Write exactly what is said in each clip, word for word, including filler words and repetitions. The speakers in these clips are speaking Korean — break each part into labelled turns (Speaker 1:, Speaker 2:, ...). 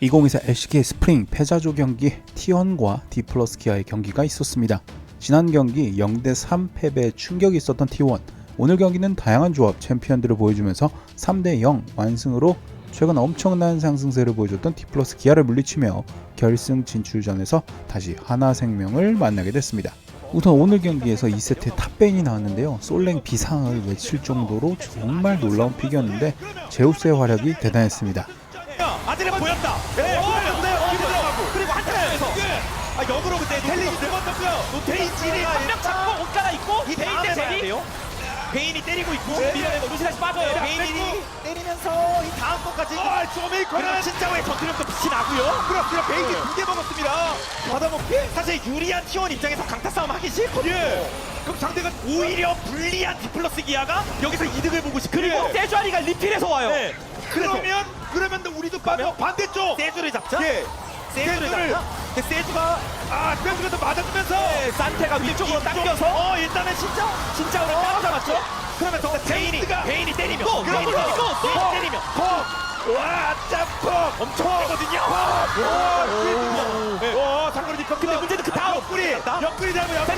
Speaker 1: 이천이십사 엘씨케이 스프링 패자조 경기 티원과 디플러스 기아의 경기가 있었습니다. 지난 경기 영 대 삼 패배의 충격이 있었던 티원, 오늘 경기는 다양한 조합 챔피언들을 보여주면서 삼 대 영 완승으로 최근 엄청난 상승세를 보여줬던 디플러스 기아를 물리치며 결승 진출전에서 다시 하나생명을 만나게 됐습니다. 우선 오늘 경기에서 이 세트에 탑베인이 나왔는데요. 솔랭 비상을 외칠 정도로 정말 놀라운 픽이었는데 제우스의 활약이 대단했습니다.
Speaker 2: 아들은 보였다. 네, 보였어요. 그리고 한타에서 아, 역으로 근데 텔링이 들어갔고요. 베인이 한 명 잡고 옷 갈아입고 이 베인 대 제리. 베인이 때리고 있고 밀어내고 루시다시 빠져요. 베인이 때리면서 이 다음 것까지. 아, 쇼메이커는 진짜 왜 전투력도 빛이 나고요. 그렇습니다. 베인이 두 개 먹었습니다. 받아먹기. 사실 유리한 티원 입장에서 강타 싸움 하기 싫거든요. 예. 그럼 상대가 오히려 불리한 디플러스 기아가 여기서 이득을 보고 싶고 그리고 예. 세주아리가 리필해서 와요. 네. 그러면 그러면 우리도 빠져 반대쪽 세주를 잡자. 예. 세주를 잡자. 근데 세주가 아 세주가 또 맞아주면서 네, 산테가 위쪽으로 당겨서 어 일단은 진짜 진짜 우리 따로 잡았죠. 그러면 더 베인이 베인이 때리면 또 베인이 때리면 또 때리면 와 짬뽕 엄청 세거든요. 와 장거리 뒷 근데 문제는 그 다음 옆구리 옆구리 잡으면 옆구리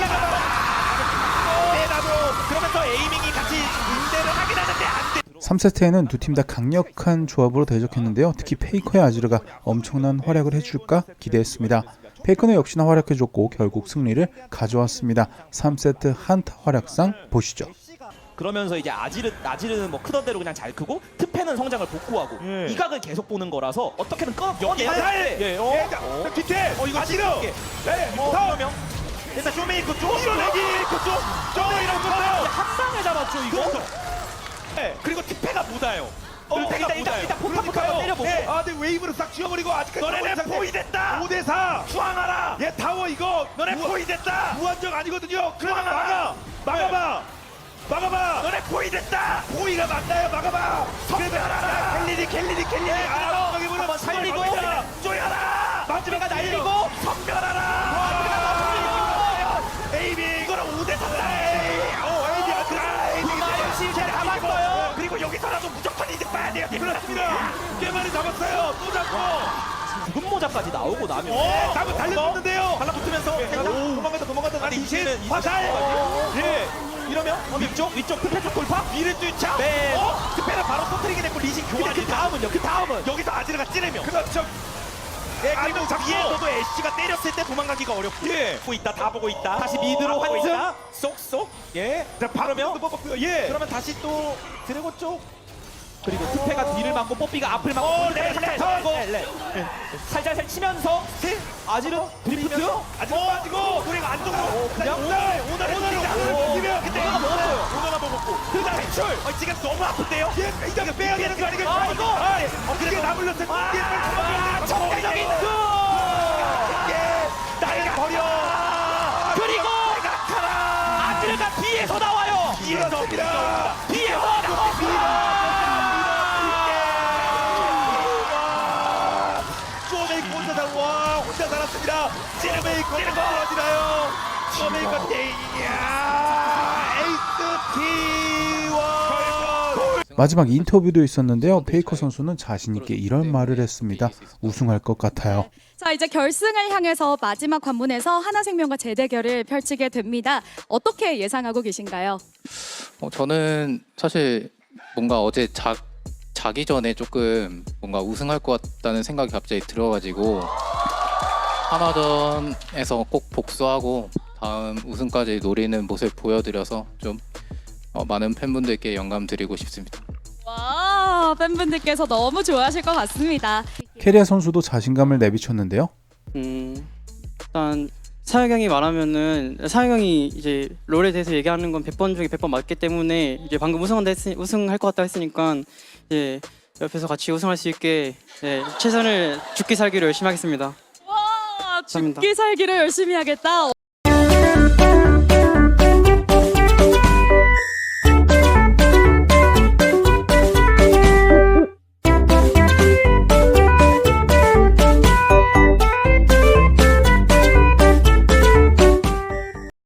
Speaker 2: 내다도 그러면서 에이밍이 같이 인대를 하긴 하는데 안 돼.
Speaker 1: 삼 세트에는 두 팀 다 강력한 조합으로 대적했는데요. 특히 페이커의 아지르가 엄청난 활약을 해줄까 기대했습니다. 페이커는 역시나 활약해줬고 결국 승리를 가져왔습니다. 삼 세트 한타 활약상 보시죠.
Speaker 3: 그러면서 이제 아지르, 아지르는 뭐 크던 대로 그냥 잘 크고 트페는 성장을 복구하고
Speaker 2: 예.
Speaker 3: 이 각을 계속 보는 거라서 어떻게든 꺼
Speaker 2: 여기 살!
Speaker 3: 예, 어?
Speaker 2: 예, 자, 뒤태! 어, 이거 아지르! 네, 어, 명. 일단 쇼메이커 쪽! 밀어내기! 그 쪽! 쇼메이커 쪽!
Speaker 3: 한 방에 잡았죠 이거.
Speaker 2: 네, 그리고 티페가 묻어요.
Speaker 3: 어, 일단 일단 일단 포탑부터 때려보고.
Speaker 2: 네. 아, 근데 웨이브로 싹 쥐어버리고 아직까지 너네 포위됐다. 오 대 사. 수항하라. 얘 타워 이거. 너네 포위됐다. 무한정 아니거든요. 그러면 막아. 막아봐. 막아봐. 너네 포위됐다. 포위가 맞나요? 막아봐. 선별하라. 켈리니 켈리니 켈리니. 아, 저기 보면
Speaker 3: 한번 살리고
Speaker 2: 쪼여라. 마지막에 날리고 선별하라. 에이비 이거는 오 대 사다. 오 에이비 아크라. 에이비
Speaker 3: 잘 잡았어요.
Speaker 2: 그리고 여기서라도 무조건 이득 봐야 돼요. 그렇습니다. 꽤 많이 잡았어요. 또 잡고.
Speaker 3: 붉은 모자까지 나오고 나면
Speaker 2: 오, 나무 달려붙는데요. 달라붙으면서 도망간다 도망간다. 아니 이십 화살. 예. 이러면 위쪽 위쪽 트페 쪽 돌파. 미를 뚫자. 네. 어? 트페를 바로 터뜨리게 됐고 리신 교환. 그 다음은요. 그 다음은 여기서 아지르가 찌르면. 그렇죠. 예, 그리고 위에서도 애쉬가 때렸을 때 도망가기가 어렵고. 예. 보고 있다, 다 보고 있다. 다시 미드로 환승. 쏙쏙. 예. 자, 바로면. 예. 그러면 다시 또 드래곤 쪽.
Speaker 3: 그리고 트페가 뒤를 막고 뽀삐가 앞을 막고
Speaker 2: 어, 네, 네,
Speaker 3: 네, 네. 살살살 치면서 아지르 드리프트
Speaker 2: 아지르 빠지고 우리가 안쪽으로
Speaker 3: 그냥
Speaker 2: 오늘 오늘 오늘 그때
Speaker 3: 오너가 먹었어요.
Speaker 2: 오너가 먹었고 그다음 탈출. 어, 지금 너무 아픈데요. 예, 이거 빼야 되는 거 아니겠어요?
Speaker 3: 아, 이거!
Speaker 2: 어, 그게 나물렸을 때
Speaker 3: 아, 정대적인 그
Speaker 2: 예, 나를 버려.
Speaker 3: 그리고 아지르가 뒤에서 나와요.
Speaker 2: 뒤에서 옵니다.
Speaker 3: 뒤에서 나옵니다.
Speaker 2: 쇼메이커 혼자 살, 와, 혼자 살았습니다. 찌르메이커 떨어지나요? 쇼메이커 땡이야. 에이스 티원.
Speaker 1: 마지막 인터뷰도 있었는데요. 페이커 선수는 자신있게 이런 말을 했습니다. 우승할 것 같아요.
Speaker 4: 자, 이제 결승을 향해서 마지막 관문에서 하나생명과 재대결을 펼치게 됩니다. 어떻게 예상하고 계신가요?
Speaker 5: 어, 저는 사실 뭔가 어제 자, 자기 전에 조금 뭔가 우승할 것 같다는 생각이 갑자기 들어가지고 하나전에서 꼭 복수하고 다음 우승까지 노리는 모습 보여드려서 좀 어, 많은 팬분들께 영감 드리고 싶습니다.
Speaker 4: 와, 팬분들께서 너무 좋아하실 것 같습니다.
Speaker 1: 캐리아 선수도 자신감을 내비쳤는데요.
Speaker 6: 음, 일단 사혁 형이 말하면은 사혁 형이 이제 롤에 대해서 얘기하는 건 백 번 중에 백 번 맞기 때문에 이제 방금 우승한다 했으, 우승할 것 같다 했으니까 이제 옆에서 같이 우승할 수 있게 네, 최선을 죽기 살기로 열심히 하겠습니다.
Speaker 4: 와,
Speaker 6: 감사합니다.
Speaker 4: 죽기 살기를 열심히 하겠다.